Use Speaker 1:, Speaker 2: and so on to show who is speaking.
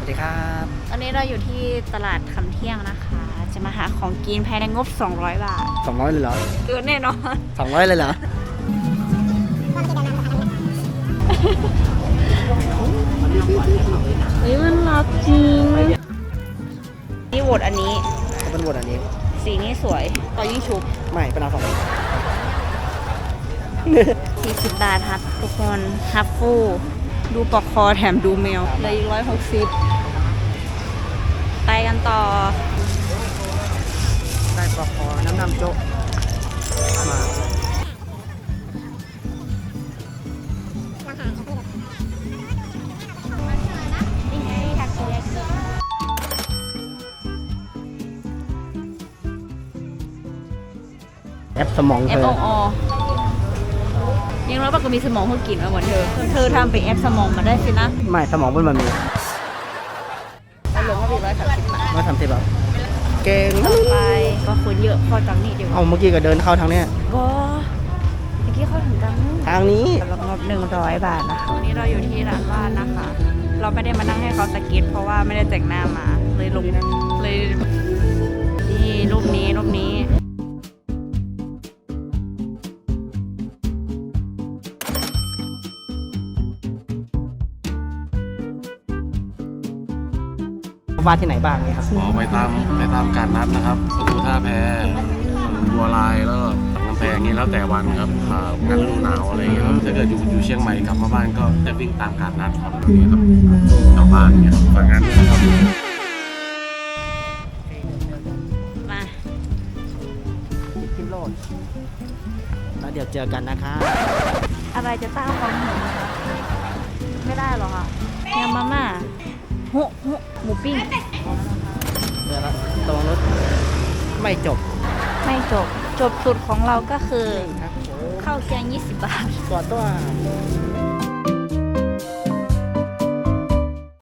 Speaker 1: ดีครับ
Speaker 2: ตอนนี้เราอยู่ที่ตลาดคำเที่ยงนะคะ จะมาหาของกินภายในงบ200 บาท
Speaker 1: 200เลยเหรอ
Speaker 2: เกินแน่นอน
Speaker 1: 200เลยเหรอ
Speaker 2: เฮ้ยมันรักจริงนี่โหวตอันนี้
Speaker 1: เขาเป็นบทอันนี้
Speaker 2: สีนี้สวยต่อยิ่งชุบ
Speaker 1: ไม่เป็นเอา200
Speaker 2: 40 บาทครับทุกคนฮัฟฟูดูปลอกคอแถมดูแมวเลยอีก160ไปกันต่อ
Speaker 1: ได้ปลอกคอน้ำโจ๊กมาแอปสมองเธ
Speaker 2: F
Speaker 1: อ
Speaker 2: O O ยังร้อยปากก็มีสมองเพื่อกินมาเหมือนเธอทำเป็นแอปสมองมาได้สินะ
Speaker 1: ไม่สมองมันมี
Speaker 2: แล้วลงก็มี130 บาท
Speaker 1: มา30แบบเก่ง
Speaker 2: ต่อไปก็คนเยอะพอจังนี่เดียว
Speaker 1: เอาเมื่อกี้ก็เดินเข้าทางเนี้ย
Speaker 2: ก็เมื่อกี้เข้าถึงจัง
Speaker 1: ทางนี้
Speaker 2: สำหรับงบ100 บาทนะคะวันนี้เราอยู่ที่ร้านบ้านนะคะ เราไม่ได้มานั่งให้เขาสเก็ตเพราะว่าไม่ได้แต่งหน้ามาเลยลงเลยนี่รูปนี้
Speaker 1: วาดที่ไหนบ้างเนี่ยครับ
Speaker 3: อ๋อไปตามการนัดนะครับประตูท่าแพบัวลายแล้วก็กำแพงนี้แล้วแต่วันครับงานฤดูหนาวอะไรอย่างเงี้ยครับถ้าเกิดอยู่เชียงใหม่กลับมาบ้านก็จะวิ่งตามการนัดครับนี่ครับชาวบ้านเนี่ยฝากงานด้วยนะครับ
Speaker 2: มา
Speaker 1: พิมโลดแล้วเดี๋ยวเจอกันนะครับ
Speaker 2: อะไรจะต้านความหิวนะคะไม่ได้หรอกค่ะยำมาม่าหุหมูปิ้ง
Speaker 1: เดี๋ยวละตรงรถไม่จบ
Speaker 2: ไม่จบสุดของเราก็คือ
Speaker 1: ครับ
Speaker 2: ข้าวแกง20 บาท
Speaker 1: ตัว